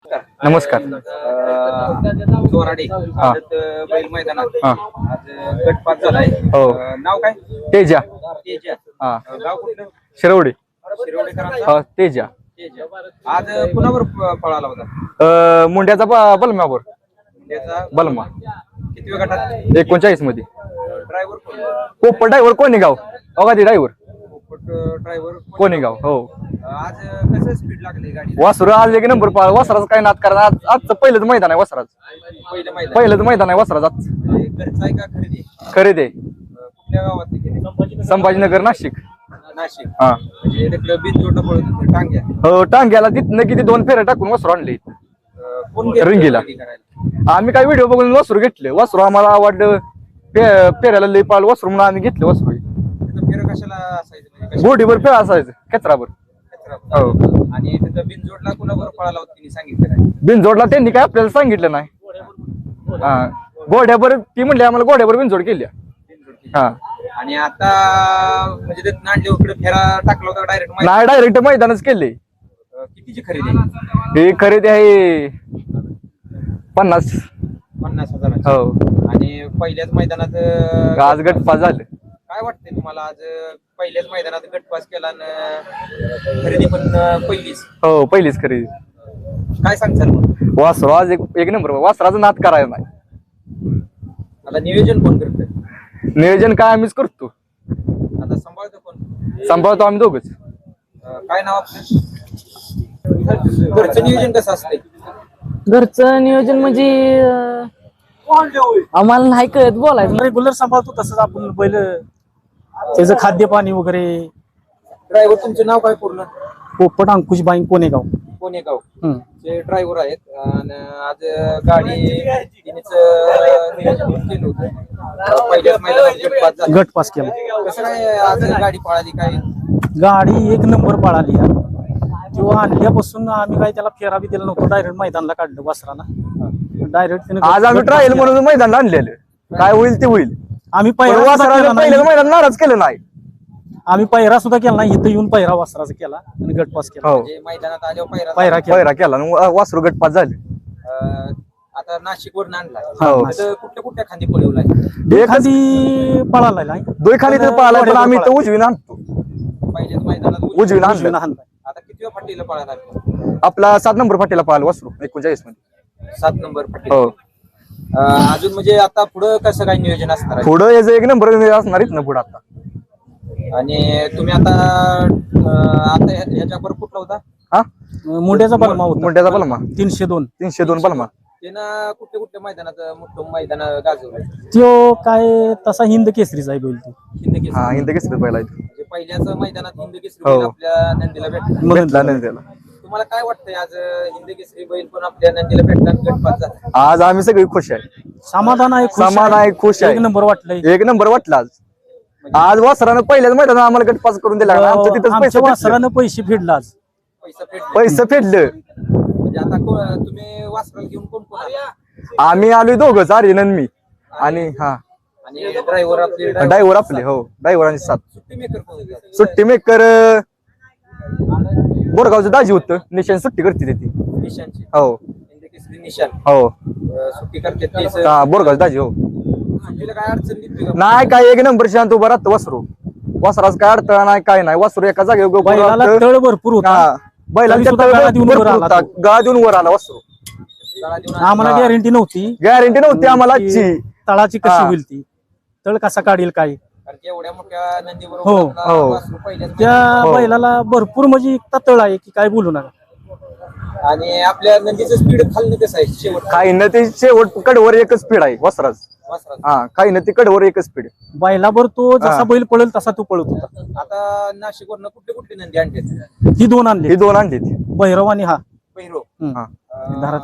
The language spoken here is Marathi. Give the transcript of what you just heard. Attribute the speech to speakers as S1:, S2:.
S1: नमस्कार.
S2: नमस्कार.
S1: चोराडे बैल मैदानात आज गटपात झालाय.
S2: हो.
S1: नाव काय?
S2: तेजा.
S1: तेजा.
S2: हा.
S1: गाव कुठलं?
S2: शिरवडी.
S1: शिरोडेकरांचा
S2: हा तेजा.
S1: तेजा. आज कुणावर पळाला होता?
S2: मुंड्याचा बलम्यावर.
S1: त्याचा
S2: बलमा
S1: किती गटात?
S2: 39 मध्ये.
S1: ड्रायव्हर कोण?
S2: पोपट ड्रायव्हर कोणी गाव अगादी ड्रायव्हर
S1: ड्रायव्हर
S2: कोणी गाव. हो.
S1: आज कसं स्पीड लागली गाडी?
S2: वासरू आज एक नंबर पाळ. वासराचं काय नाद करा. आजचं पहिलंच मैदान आहे वासराचं. पहिलंच मैदान आहे वासराचं आजचं.
S1: घरचा आहे का खरेदी?
S2: खरेदी आहे.
S1: कुठल्या गावात केली?
S2: संभाजीनगर नाशिक.
S1: नाशिक.
S2: हा.
S1: म्हणजे तिकडं बिनजोडला पळत होतं टांग्या.
S2: हो टांग्याला तिथनं किती 2 फेऱ्या टाकून वासरू आणले.
S1: कोण
S2: रिंगीला. आम्ही काय व्हिडिओ बघून वासरू घेतले. वासरू आम्हाला आवडलं. फेऱ्याला लई पाळ वासरू म्हणून आम्ही घेतले वासरू.
S1: फेर कशाला असायचं? म्हणजे
S2: गोडीवर फेरा असायचं कचरावर. हो.
S1: आणि तिथं बिनजोडला कुणावर पळाला होता तिने सांगितलं?
S2: बिनजोडला त्यांनी काय आपल्याला सांगितलं नाही. हा घोड्यावर ती म्हणली आम्हाला घोड्यावर बिनजोड केली. हा.
S1: आणि आता म्हणजे ते नांडे इकडे फेरा टाकला होता डायरेक्ट?
S2: नाही डायरेक्ट मैदानच केले.
S1: कितीची खरेदी?
S2: ही खरेदी आहे 50.
S1: 50,000.
S2: हो.
S1: आणि पहिल्याच मैदानात
S2: आज गटपास झालं.
S1: काय वाटतंय तुम्हाला? आज पहिल्याच मैदानात गटपास केला आणि खरेदी पण पहिलीच.
S2: हो पहिलीच खरेदी.
S1: काय सांगताल मग?
S2: वासरू आज एक नंबर. वासराचं नाद करायला नाही.
S1: आता नियोजन कोण करतं?
S2: नियोजन काय आम्हीच करतो.
S1: आता सांभाळतो कोण?
S2: सांभाळतो आम्ही दोघच.
S1: काय नाव आपलं? घरचं नियोजन कसं असतंय?
S3: घरचं नियोजन म्हणजे आम्हाला नाही कळत बोलायचं.
S4: रेग्युलर सांभाळतो तसंच आपण बैल त्याचं खाद्य पाणी वगैरे.
S1: ड्रायव्हर तुमचं नाव काय पूर्ण?
S4: पोपट अंकुश बाईंग कोणेगाव.
S1: कोणेगाव
S4: हम्म.
S1: चे ड्रायव्हर आहेत. आणि आज गाडी तिनेच नियोजन केलं होतं. पहिल्याच मैदानात गटपास झाला.
S4: गटपास केला.
S1: कसं काय आज गाडी पळाली? काय
S4: गाडी एक नंबर पळाली. किंवा आणल्यापासून आम्ही काय त्याला फेरा बी दिला नव्हतो. डायरेक्ट मैदानला काढलं वासराला. डायरेक्ट
S2: आज आम्ही ट्रायल म्हणून मैदान आणलेलं. काय होईल ते होईल.
S4: आम्ही
S2: वासराला पहिलं मैदान नाराज केलं नाही.
S4: आम्ही पहिरा सुद्धा केला नाही. इथं येऊन पहिरा वासराचा केला आणि गटपास केला.
S2: हो.
S1: म्हणजे मैदानात आल्यावर
S4: पहिरा केला.
S2: पहिरा केला आणि वासरू गटपास झाले.
S1: आता नाशिक वरून आणला.
S2: हो.
S1: कुठल्या कुठल्या खांदी पळवलाय?
S4: एखादी पळाला नाही.
S2: दोन खाली तर पाहिला पण आम्ही तर उजवीन आणतो.
S1: पहिल्याच मैदानात
S2: उजवीन आणलं.
S1: आता किती फाटीला पळाला?
S2: आपला 7 नंबर फाटीला पाहिला वासरू 39 मध्ये.
S1: 7 नंबर फाटी.
S2: हो.
S1: अजून म्हणजे आता पुढं कसं काय नियोजन असणार आहे?
S2: पुढं याचं एक नंबर असणार ना पुढं आता.
S1: आणि तुम्ही आता आता ह्याच्यावर कुठला होता?
S2: हा
S4: मुंड्याचा बलमा होता.
S2: मुंड्याचा बलमा
S4: 302.
S2: 302 बलमा.
S1: त्यानं कुठल्या मैदानात मोठं मैदान गाजवलं?
S4: तो काय तसा हिंद केसरीचा आहे बैल तो.
S1: हिंद केसरी.
S2: हा हिंद केसरी पहिला
S1: म्हणजे पहिल्याच मैदानात हिंद केसरी
S2: हो.
S1: बैल आपल्या नंदीला भेटला.
S2: भेटला नाही त्याला.
S1: तुम्हाला काय वाटतंय आज हिंद केसरी बैल पण आपल्या नंदीला भेटला गटपास झाला?
S2: आज आम्ही सगळी खुश आहे.
S4: समाधान आहे.
S2: समाधान आहे, खुश आहे.
S4: एक नंबर वाटलंय.
S2: एक नंबर वाटला आज. आज वासरानं पहिल्याच मैदानात आम्हाला गटपास करून दिला. आमचं तिथंच
S4: आमच्या
S2: पैसे
S4: वासरानं पैसे फेडला आज.
S1: पैसा भेटला.
S2: पैसे फेडलं.
S1: म्हणजे आता तुम्ही वासराला घेऊन कोण कोण आला?
S2: आम्ही आलोय दोघंच आर्यन आणि मी. आणि हा
S1: आणि ड्रायव्हर आपले
S2: ड्रायव्हर आपले. हो ड्रायव्हरांची 7.
S1: सुट्टी मेकर कोण होते?
S2: सुट्टी मेकर बोरगावचं दाजी होतं. निशान सुट्टी करते ती.
S1: निशांची.
S2: हो
S1: हिंद केसरी निशान
S2: हो.
S1: सुट्टी करते तेच.
S2: हा बोरगावचं दाजी. हो
S1: सुट्टीला काय अडचण येते का?
S2: नाही काय एक नंबर शांत उभा राहतो वासरू. वासराच काय अडथळा नाही काय नाही. वासरू एका जागेवर उभं
S4: बैलाला
S2: राहतं.
S4: तळ भरपूर होता.
S2: हा बैलाला
S4: तरी सुद्धा गळा देऊन वर आला तो.
S2: गळा देऊन वर आला वासरू.
S1: गाळा देऊन
S4: आम्हाला
S2: हा.
S4: गॅरंटी नव्हती.
S2: गॅरंटी नव्हती आम्हाला आजची.
S4: तळाची
S2: हा.
S4: कशी होईल ती. तळ कसा काढील काय.
S1: कारण की एवढ्या मोठ्या नंदीबरोबर
S4: हो,
S1: आपला
S2: हो.
S1: वासरू पहिल्याच
S4: त्या
S2: हो.
S4: बैलाला भरपूर म्हणजे इतका तळ आहे की काय बोलू नका.
S1: मैदानात. आणि आपल्या नंदीचं स्पीड खाल्लं कसं आहे शेवट?
S2: काही न ते शेवट कडवर एकच स्पीड आहे वासराच.
S1: वासरात.
S2: हा काही न ते कडवर एकच स्पीड.
S4: बैलावर तो जसा
S2: हा.
S4: बैल पळेल तसा तो पळत होता.
S1: आता नाशिक वरनं कुठले कुठले नंदी आणले?
S4: ही 2 आणली.
S2: ही 2 आणली ती.
S4: भैरव आणि हा
S1: पहिरो.
S4: हम्म.
S2: हा.
S4: धारा